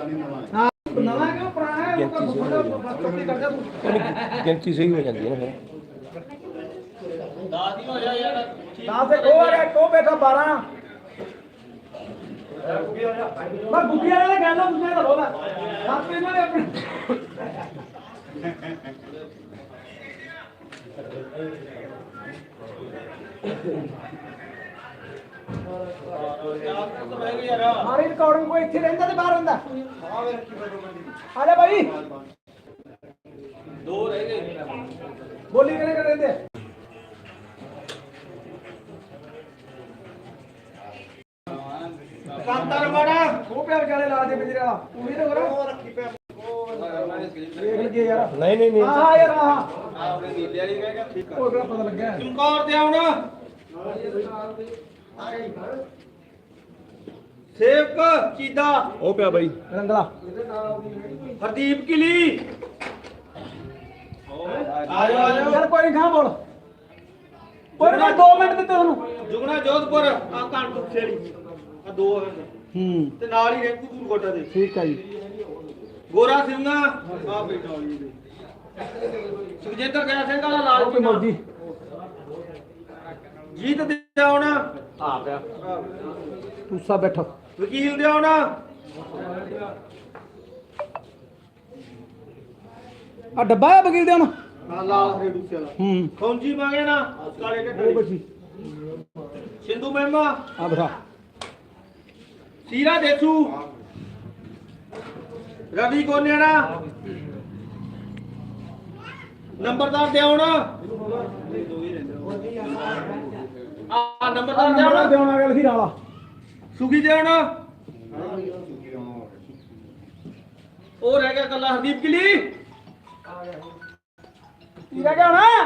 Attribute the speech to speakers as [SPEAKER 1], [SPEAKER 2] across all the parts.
[SPEAKER 1] ਹਾਂ ਨਵਾਂ ਕਿਉਂ ਪੁਰਾਣਾ ਹੈ ਉਹ ਤਾਂ
[SPEAKER 2] ਗਿਣਤੀ ਸਹੀ ਹੋ ਜਾਂਦੀ ਹੈ ਨਾ ਫਿਰ
[SPEAKER 1] 10 ਹੀ ਹੋ ਜਾ ਯਾਰ 10 ਤੇ ਉਹ ਆ ਗਿਆ ਕੋ ਬੈਠਾ 12 ਮੈਂ ਬੁੱਢੀ ਵਾਲੇ ਦਾ ਕਹਿੰਦਾ ਤੁਸੀਂ ਤਾਂ ਰੋਲਾ ਹੱਥ ਇਹਨਾਂ ਨੇ ਆਪਣੇ हमारी रिकॉर्डिंग कोई इतनी रहता तो बाहर रहता आ जा भाई दो रह गए बोली करे कर रहते कांतार बड़ा वो पे बेचारे ला दे बिजरा तू भी तो करो रखी पे देख लगे यार
[SPEAKER 2] नहीं
[SPEAKER 1] हां यार हां आपने नीले वाली कहेगा ठीक है ओकरा पता लग गया चमकौर ते आउणा सेवक चीदा
[SPEAKER 2] ਉਹ ਪਿਆ ਬਾਈ
[SPEAKER 1] रंगला हरदीप किली आयो यार कोई नहीं खा बोल कोई नहीं 2 मिनट ਦਿੱਤੇ ਉਹਨੂੰ ਜੁਗਣਾ ਜੋਧਪੁਰ ਆ ਕਾਨਪੁਰ ਛੇੜੀ ਆ ਦੋ ਤੇ ਨਾਲ ਹੀ ਰੇਕੂ ਦੂਰ ਕੋਟਾ ਦੇ ਠੀਕ ਹੈ ਜੀ ਗੋਰਾ ਸਿੰਘਾ ਆ ਬੈਠਾ ਵਾਲੀ ਦੇ ਸੁਖਜਿੰਦਰ ਗਿਆ ਸਿੰਘ ਵਾਲਾ ਲਾਲ ਕੀ ਮੌਜੀ ਜੀਤ ਦੇ ਆਉਣਾ ਆ ਪਿਆ ਤੂਸਾ ਬੈਠਾ ਵਕੀਲ ਦੇ ਆਉਣਾ ਆ ਡੱਬਾ ਹੈ ਵਕੀਲ ਦੇ ਆਉਣਾ ਹਾਂ ਲਾਲ ਰੇਡੂਸੇ ਵਾਲਾ ਖੌਂਜੀ ਮੰਗੇ ਨਾ ਕਾਲੇ ਢੱਡੇ ਬੱਚੀ ਸਿੰਧੂ ਮਹਿਮਾ ਆ ਬਰਾ ਸੀਰਾ ਦੇਸੂ ਰਵੀ ਕੋਨੇੜਾ ਨੰਬਰਦਾਰ ਦੇ ਆਉਣਾ ਆ ਨੰਬਰਦਾਰ ਦੇ ਆਉਣਾ ਦੇਉਣਾ ਗੱਲ ਹੀਰਾ ਵਾਲਾ ਸੁਖੀ ਦੇ ਆਉਣਾ ਉਹ ਰਹਿ ਗਿਆ ਕੱਲਾ ਹਰਦੀਪ ਕਿਲੀ ਕੀ ਰਹਿ ਗਿਆ ਨਾ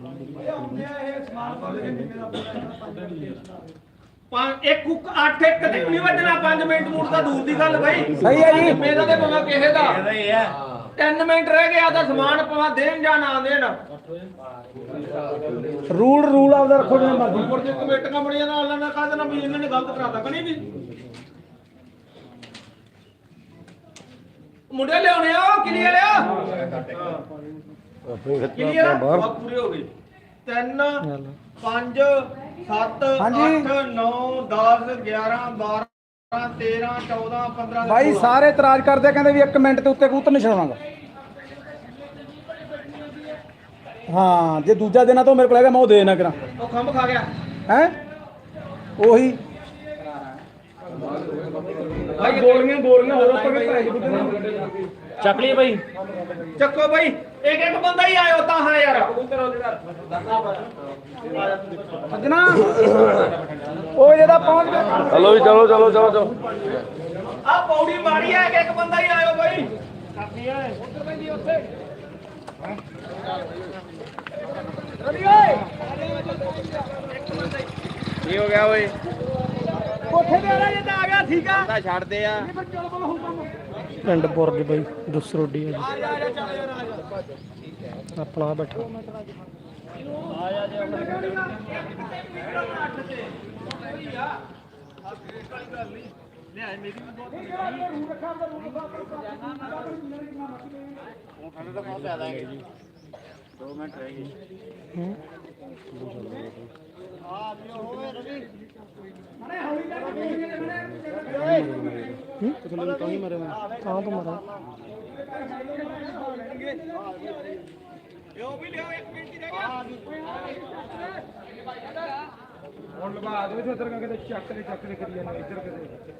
[SPEAKER 1] ਇੱਕ ਕੁੱਕ 8 ਇੱਕ ਤੇ ਨਹੀਂ ਵੱਜਣਾ 5 ਮਿੰਟ ਮੂਡ ਦਾ ਦੂਰ ਦੀ ਗੱਲ ਬਾਈ ਸਹੀ ਹੈ ਜੀ ਮੇਰਾ ਤੇ ਭਾਵੇਂ ਕਿਸੇ ਦਾ 3 ਮਿੰਟ ਰਹਿ ਗਿਆ ਤਾਂ ਸਮਾਨ ਭਾਵੇਂ ਦੇਣ ਜਾਂ ਨਾ ਦੇਣ ਰੂਲ ਆਪਦਾ ਰੱਖੋ ਜਿਵੇਂ ਮਰਜ਼ੀ ਉੱਪਰ ਜੇ ਕਮੇਟੀਆਂ ਬੜੀਆਂ ਨਾਲ ਲੈਣਾ ਕਾਹਦੇ ਨਾਲ ਵੀ ਇਹਨਾਂ ਨੇ ਗਲਤ ਕਰਾਤਾ ਕਣੀ ਵੀ ਮੁੰਡੇ ਲਿਆਉਣੇ ਆ ਕਿਲੀਅਰ ਲਿਆ ਕਿਲੀਅਰ ਬਹੁਤ ਪੂਰੇ ਹੋ ਗਏ 3 5 7 8 9 10 11 12 13 14 15 ਭਾਈ ਸਾਰੇ ਇਤਰਾਜ਼ ਕਰਦੇ ਕਹਿੰਦੇ ਵੀ 1 ਮਿੰਟ ਤੇ ਉੱਤੇ ਕਬੂਤਰ ਨਹੀਂ ਛਡਾਉਣਾਗਾ ਹਾਂ ਜੇ ਦੂਜਾ ਦੇਣਾ ਤਾਂ ਮੇਰੇ ਕੋਲ ਹੈਗਾ ਮੈਂ ਉਹ ਦੇ ਦੇਣਾ ਕਰਾਂ ਉਹ ਖੰਭ ਖਾ ਗਿਆ ਹੈ ਉਹੀ ਭਾਈ ਗੋਲੀਆਂ ਹੋਰ ਉੱਪਰ ਵੀ ਪੈਸੇ ਚੱਕ ਲਈ ਭਾਈ ਚੱਕੋ ਭਾਈ ਇੱਕ ਬੰਦਾ ਹੀ ਆਇਓ ਤਾਂ ਹਾਂ ਯਾਰ ਸੱਜਣਾ ਉਹ ਜਿਹਦਾ ਪਹੁੰਚ ਗਿਆ
[SPEAKER 2] ਚਲੋ ਜੀ ਚਲੋ
[SPEAKER 1] ਆ ਪੌੜੀ ਮਾਰੀ ਹੈ ਇੱਕ ਬੰਦਾ ਹੀ ਆਇਓ ਭਾਈ ਕਰਨੀ ਹੈ ਉੱਧਰ ਪੈਂਦੀ ਉੱਥੇ ਰਵੀ ਓਏ
[SPEAKER 2] ਕੀ ਹੋ ਗਿਆ ਓਏ
[SPEAKER 1] ਕੋਠੇ ਤੇ ਆ ਰਿਹਾ ਜੇ ਤਾਂ ਆ ਗਿਆ ਠੀਕ ਆ
[SPEAKER 2] ਤਾਂ ਛੱਡਦੇ ਆ
[SPEAKER 3] ਪਿੰਡ ਬੁਰਜ ਬਈ ਦਸਰੋਡੀ ਆ
[SPEAKER 1] ਆ ਜਾ ਚੱਲ ਯਾਰ ਆ ਜਾ
[SPEAKER 3] ਆਪਣਾ ਬੈਠਾ
[SPEAKER 1] ਆ ਜਾ ਜੇ ਲਿਆ ਮੇਰੀ ਵੀ ਬਹੁਤ ਰੂਲ ਰੱਖਾ ਦਾ ਰੂਲ ਉਹ ਖਾਣੇ ਦਾ ਬਹੁਤ ਜ਼ਿਆਦਾ ਹੈ ਜੀ 2 ਮਿੰਟ ਰਹਿ ਗਏ ਆ ਜੀ ਹੋਵੇ ਰਵੀ ਮਨੇ ਹੌਲੀ ਜਾ ਕੇ
[SPEAKER 3] ਕਿਥੋਂ ਤਾਂ ਹੀ ਮਰੇ ਤਾਂ ਤੋਂ ਮਰਾ
[SPEAKER 1] ਇਹ ਵੀ ਲਿਓ 1 ਮਿੰਟ ਦੀ ਜਗ੍ਹਾ ਹੁਣ ਲਵਾ ਦੇ ਇੱਧਰ ਕਰਕੇ ਚੱਕ ਲੈ ਕਰੀ ਜਾਂਦੇ ਇੱਧਰ ਕਿਤੇ